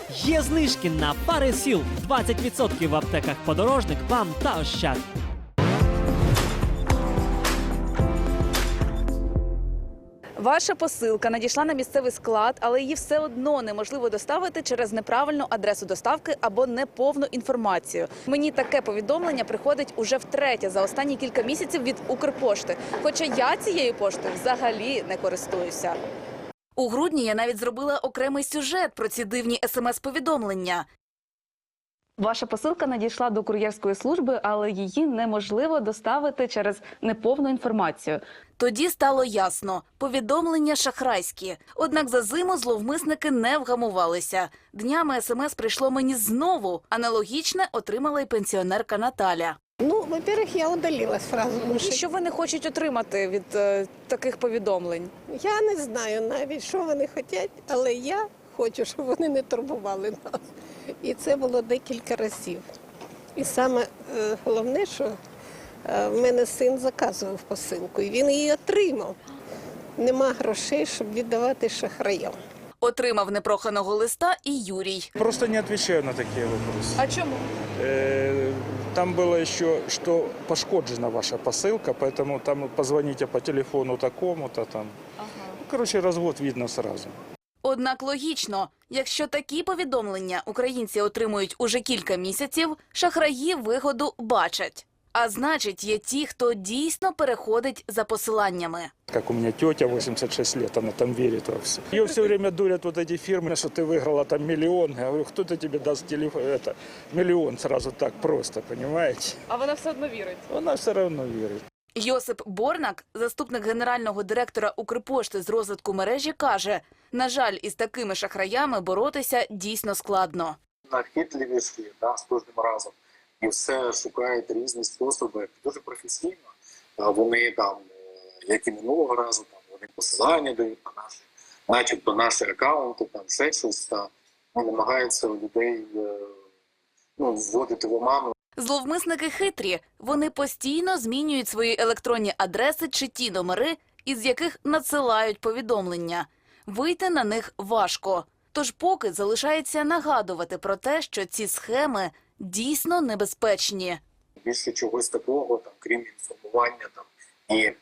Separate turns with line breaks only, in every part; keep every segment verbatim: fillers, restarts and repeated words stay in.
Є знижки на пари сіл двадцять відсотків в аптеках «Подорожник», «Вам» та «Ощад».
Ваша посилка надійшла на місцевий склад, але її все одно неможливо доставити через неправильну адресу доставки або неповну інформацію. Мені таке повідомлення приходить уже втретє за останні кілька місяців від Укрпошти. Хоча я цією поштою взагалі не користуюся. У грудні я навіть зробила окремий сюжет про ці дивні смс-повідомлення. Ваша посилка надійшла до кур'єрської служби, але її неможливо доставити через неповну інформацію. Тоді стало ясно – повідомлення шахрайські. Однак за зиму зловмисники не вгамувалися. Днями смс прийшло мені знову. Аналогічне отримала й пенсіонерка Наталя.
Ну, во-первых, я удалила сразу. Тому що
Що вони хочуть отримати від е, таких повідомлень?
я не знаю навіть, що вони хочуть, але я хочу, щоб вони не турбували нас. І це було декілька разів. І саме е, головне, що е, в мене син заказував посилку, і він її отримав. Нема грошей, щоб віддавати шахраям.
Отримав непроханого листа і Юрій.
Просто не отвечаю на такие вопросы.
А чому?
Э, Там было еще, что пошкоджена ваша посылка, поэтому там позвоните по телефону такому-то там.
Ага.
Ну, короче, развод видно сразу.
Однак логічно, якщо такі повідомлення українці отримують уже кілька місяців, шахраї вигоду бачать. А значить, є ті, хто дійсно переходить за посиланнями.
Как у меня тетя, восемьдесят шесть лет, она там верит во все. Ее все время дурят вот эти фирмы, что ты выиграла там миллион. Я говорю, кто-то тебе даст телефон, это, миллион сразу так просто, понимаете?
А вона все одно вірить.
Она все равно верит.
Йосип Борнак, заступник генерального директора Укрпошти з розвитку мережі, каже, на жаль, із такими шахраями боротися дійсно складно.
Нахитливіші, да, з кожним разом. І все шукають різні способи. Дуже професійно. А Вони там, як і минулого разу, там вони посилання дають на наші, начебто наші акаунти, там ще щось, та ну, намагаються людей ну, вводити в оману.
Зловмисники хитрі. Вони постійно змінюють свої електронні адреси чи ті номери, із яких надсилають повідомлення. Вийти на них важко. Тож поки залишається нагадувати про те, що ці схеми дійсно небезпечні.
Більше чогось такого, там, крім інформування там, і е,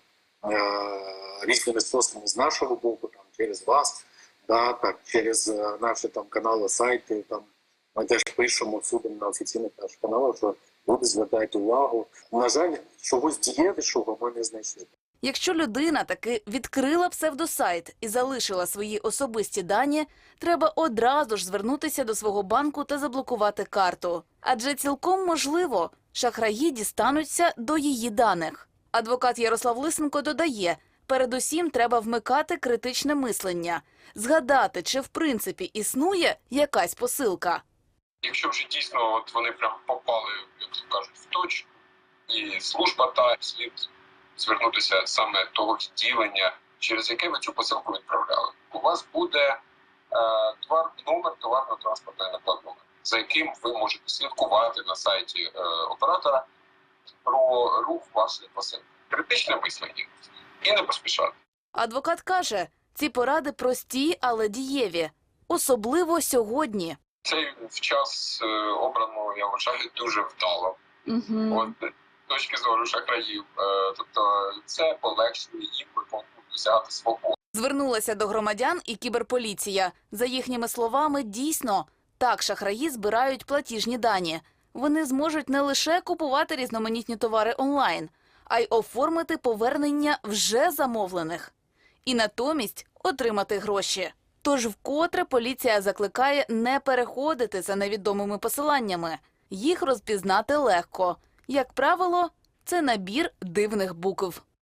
різними способами з нашого боку, там, через вас, да, так, через е, наші там, канали, сайти. Там, ми теж пишемо всюди на офіційних наших каналах, що люди звертають увагу. На жаль, чогось дієвішого ми не знайшли.
Якщо людина таки відкрила псевдосайт і залишила свої особисті дані, треба одразу ж звернутися до свого банку та заблокувати карту. Адже цілком можливо, шахраї дістануться до її даних. Адвокат Ярослав Лисенко додає, передусім треба вмикати критичне мислення, згадати, чи в принципі існує якась посилка.
Якщо вже дійсно от вони прям попали, як то кажуть, в точку, і служба та слід звернутися саме того відділення, через яке ви цю посилку відправляли. У вас буде е, товар, номер товарно-транспортної накладної, за яким ви можете слідкувати на сайті е, оператора про рух вашої посилки. Критичне мислення і не поспішати.
Адвокат каже, ці поради прості, але дієві. Особливо сьогодні.
Цей в час е, обрано, я вважаю, дуже вдало.
Угу.
От, з точки зору шахраїв. Е, тобто це полегшує їм досягати свободи.
Звернулася до громадян і кіберполіція. За їхніми словами, дійсно, так шахраї збирають платіжні дані. Вони зможуть не лише купувати різноманітні товари онлайн, а й оформити повернення вже замовлених. І натомість отримати гроші. Тож вкотре поліція закликає не переходити за невідомими посиланнями. Їх розпізнати легко. Як правило, це набір дивних букв.